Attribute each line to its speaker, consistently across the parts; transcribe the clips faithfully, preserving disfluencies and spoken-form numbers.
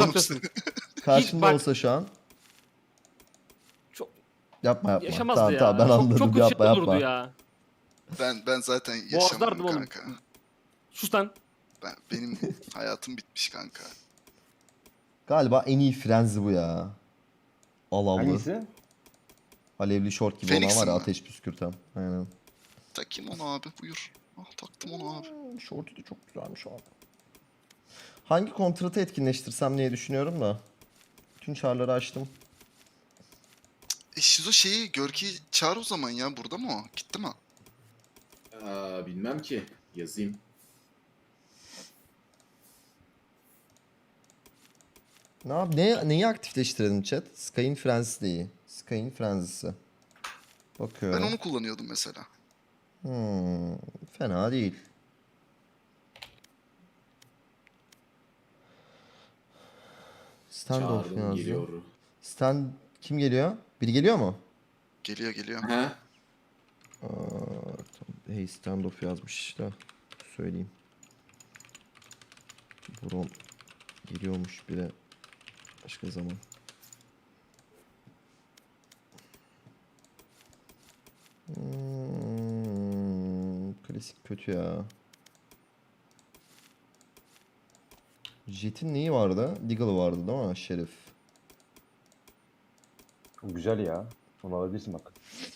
Speaker 1: uzaktasın.
Speaker 2: Karşımda
Speaker 1: bak-
Speaker 2: olsa şu an.
Speaker 1: Çok
Speaker 2: Yapma yapma.
Speaker 1: yaşamazdı
Speaker 2: Tamam
Speaker 1: ya.
Speaker 2: tamam ben
Speaker 1: çok,
Speaker 2: anladım.
Speaker 1: çok kötü
Speaker 2: yapma
Speaker 1: şey olurdu
Speaker 2: yapma.
Speaker 1: ya.
Speaker 3: Ben ben zaten
Speaker 1: Boğazlardım
Speaker 3: yaşamam
Speaker 1: oğlum.
Speaker 3: kanka.
Speaker 1: Sus lan.
Speaker 3: Ben, benim hayatım bitmiş kanka.
Speaker 2: Galiba en iyi frenzi bu ya. Alavlı.
Speaker 4: Hangisi?
Speaker 2: Alevli şort gibi
Speaker 3: Phoenix'in
Speaker 2: olan var ya
Speaker 3: mi?
Speaker 2: ateş püskürten. Aynen.
Speaker 3: Takayım onu abi buyur. Ah taktım onu abi.
Speaker 2: Hmm, şortu da çok güzelmiş abi. Hangi kontratı etkinleştirsem diye düşünüyorum da. Bütün çarları açtım.
Speaker 3: E Şizo şeyi Görki çağır o zaman ya. Burada mı o? Gitti mi?
Speaker 5: Aa, bilmem ki. Yazayım.
Speaker 2: Ne yap ne, neyi aktifleştirelim chat? Sky'in frenzi de iyi. Sky'in frenzisi. Bakıyorum.
Speaker 3: Ben onu kullanıyordum mesela.
Speaker 2: Hmm, fena değil. Standoff
Speaker 5: Çağırdım
Speaker 2: yazdı.
Speaker 5: geliyor.
Speaker 2: Stand kim geliyor? Biri geliyor mu?
Speaker 3: Geliyor geliyor.
Speaker 5: He?
Speaker 2: Aa, tamam. Hey standoff yazmış işte. Söyleyeyim. Brom geliyormuş bile. Başka zaman. Hmm, klasik kötü ya. Jet'in neyi vardı? Deagle vardı değil mi? Şerif.
Speaker 4: Güzel ya. Onu alabilirsin bak.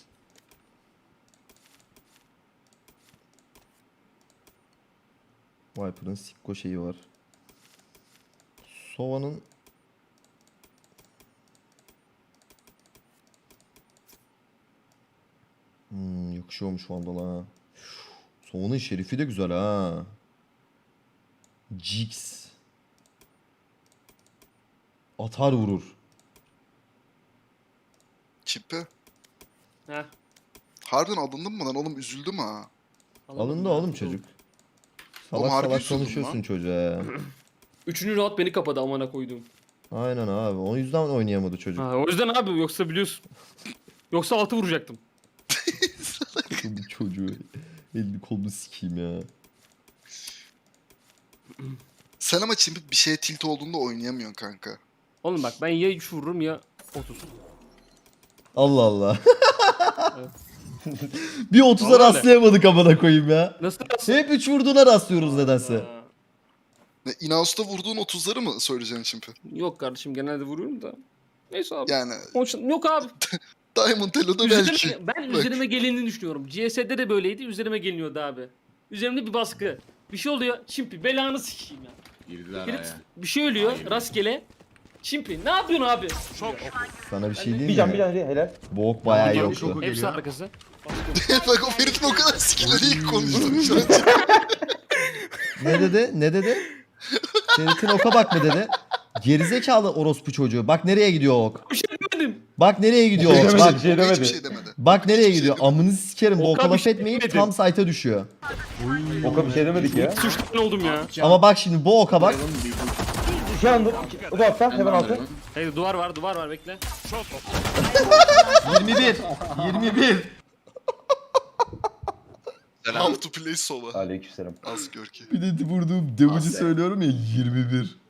Speaker 2: Viper'ın Sikko şeyi var. Sova'nın Hmm, yakışıyormuş Vandal'a ha. Sova'nın şerifi de güzel ha. Jigs. Atar vurur.
Speaker 3: Çipi.
Speaker 1: Heh.
Speaker 3: Harbiden alındın mı lan oğlum? Üzüldüm ha.
Speaker 1: Anlamadım
Speaker 2: Alındı
Speaker 1: ya.
Speaker 2: oğlum çocuk.
Speaker 3: Oğlum
Speaker 2: Salak
Speaker 3: harbi
Speaker 2: salak
Speaker 3: üzüldüm
Speaker 2: konuşuyorsun
Speaker 3: lan.
Speaker 2: çocuğa ya.
Speaker 1: Üçüncü rahat beni kapadı amına koyduğum.
Speaker 2: Aynen abi. O yüzden oynayamadı çocuk.
Speaker 1: Ha, o yüzden abi yoksa biliyorsun. Yoksa altı vuracaktım.
Speaker 2: Bu çocuğu elini kolunu sikeyim ya.
Speaker 3: Sen ama Çimpi bir şeye tilt olduğunda oynayamıyorsun kanka.
Speaker 1: Oğlum bak ben ya üç vururum ya otuz.
Speaker 2: Allah Allah.
Speaker 1: Evet.
Speaker 2: Bir otuza
Speaker 1: Vallahi öyle.
Speaker 2: rastlayamadık amına koyayım ya.
Speaker 1: Nasıl?
Speaker 2: Hep üç vurduğuna rastlıyoruz nedense.
Speaker 1: Aa,
Speaker 3: Ne, Inaus'ta vurduğun otuzları mı söyleyeceksin Çimpi?
Speaker 1: Yok kardeşim genelde vuruyorum da. Neyse abi.
Speaker 3: Yani
Speaker 1: Onun- Yok abi.
Speaker 3: Diamond Elo'da belki.
Speaker 1: Üzerime, ben
Speaker 3: Bak.
Speaker 1: üzerime gelindiğini düşünüyorum. C S'de de böyleydi. Üzerime geliniyordu abi. Üzerimde bir baskı. Bir şey oluyor. Çimpi belanı sikeyim ya.
Speaker 5: Girdiler
Speaker 1: Herif
Speaker 5: aya.
Speaker 1: bir şey ölüyor
Speaker 5: Hayır.
Speaker 1: rastgele. Çimpi ne yapıyorsun abi?
Speaker 2: Sana bir şey
Speaker 1: Ben de-
Speaker 2: diyeyim
Speaker 4: Bir can bir
Speaker 2: mi?
Speaker 4: can helal.
Speaker 2: Bu ok bayağı iyi
Speaker 1: Geliyor,
Speaker 2: yoktu.
Speaker 1: şoku Hepsi arkası.
Speaker 3: Bak o Ferit'in o kadar skill'leri ilk konuştum şu an.
Speaker 2: Ne dedi? Ne dedi? Ferit'in oka bak mı dedi? Gerizekalı orospu çocuğu. Bak nereye gidiyor o ok.
Speaker 1: Bir şey demedim.
Speaker 2: Bak nereye gidiyor
Speaker 4: Bir şey
Speaker 2: ok.
Speaker 4: demedi,
Speaker 2: Bak,
Speaker 4: bir şey
Speaker 3: Hiçbir
Speaker 4: demedi.
Speaker 3: şey demedi.
Speaker 2: bak nereye
Speaker 3: Hiçbir şey
Speaker 2: gidiyor.
Speaker 3: demedi.
Speaker 2: Amını sikerim. Bu
Speaker 1: Oka
Speaker 2: oka
Speaker 1: bir
Speaker 2: laf
Speaker 1: şey
Speaker 2: etmeyip
Speaker 1: demedim.
Speaker 2: tam site'a düşüyor.
Speaker 4: Oka bir şey demedik ya.
Speaker 1: Suçlu oldum ya.
Speaker 2: Ama bak şimdi bu oka bak.
Speaker 4: Şu anda o da altta hemen altı.
Speaker 1: Hey duvar var duvar var bekle.
Speaker 2: yirmi bir. yirmi bir.
Speaker 3: How to play Sova.
Speaker 4: Aleykümselam.
Speaker 3: Az gör ki.
Speaker 2: Bir de vurduğum damage'ı
Speaker 5: Aferin.
Speaker 2: söylüyorum ya yirmi bir.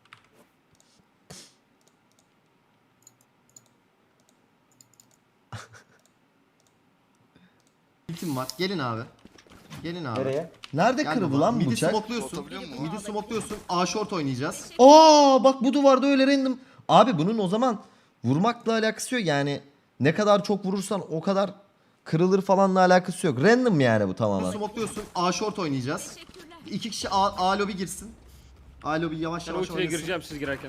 Speaker 6: Ultim var. Gelin abi. Gelin abi.
Speaker 4: Nereye?
Speaker 2: Nerede
Speaker 6: Gel
Speaker 2: kırıldı
Speaker 6: baba.
Speaker 2: lan bu
Speaker 6: Midi
Speaker 2: bıçak?
Speaker 6: smokluyorsun.
Speaker 3: Atabiliyor musun?
Speaker 6: Midi smokluyorsun. A short oynayacağız.
Speaker 2: Aa bak bu duvarda öyle random. Abi bunun o zaman vurmakla alakası yok yani. Ne kadar çok vurursan o kadar kırılır falanla alakası yok. Random yani bu tamamen.
Speaker 6: Smokluyorsun. A short oynayacağız. İki kişi A, A lobby girsin. A lobby yavaş
Speaker 1: Ben
Speaker 6: yavaş
Speaker 1: ultiye
Speaker 6: oynasın.
Speaker 1: gireceğim siz girerken.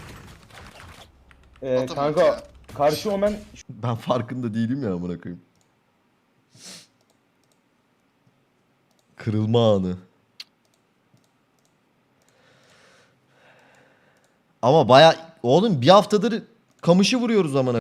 Speaker 4: Ee,
Speaker 3: Atamam
Speaker 4: kanka
Speaker 3: ya.
Speaker 4: karşı omen
Speaker 2: Ben farkında değilim ya amına koyayım. Kırılma anı. Ama baya oğlum bir haftadır kamışı vuruyoruz amına.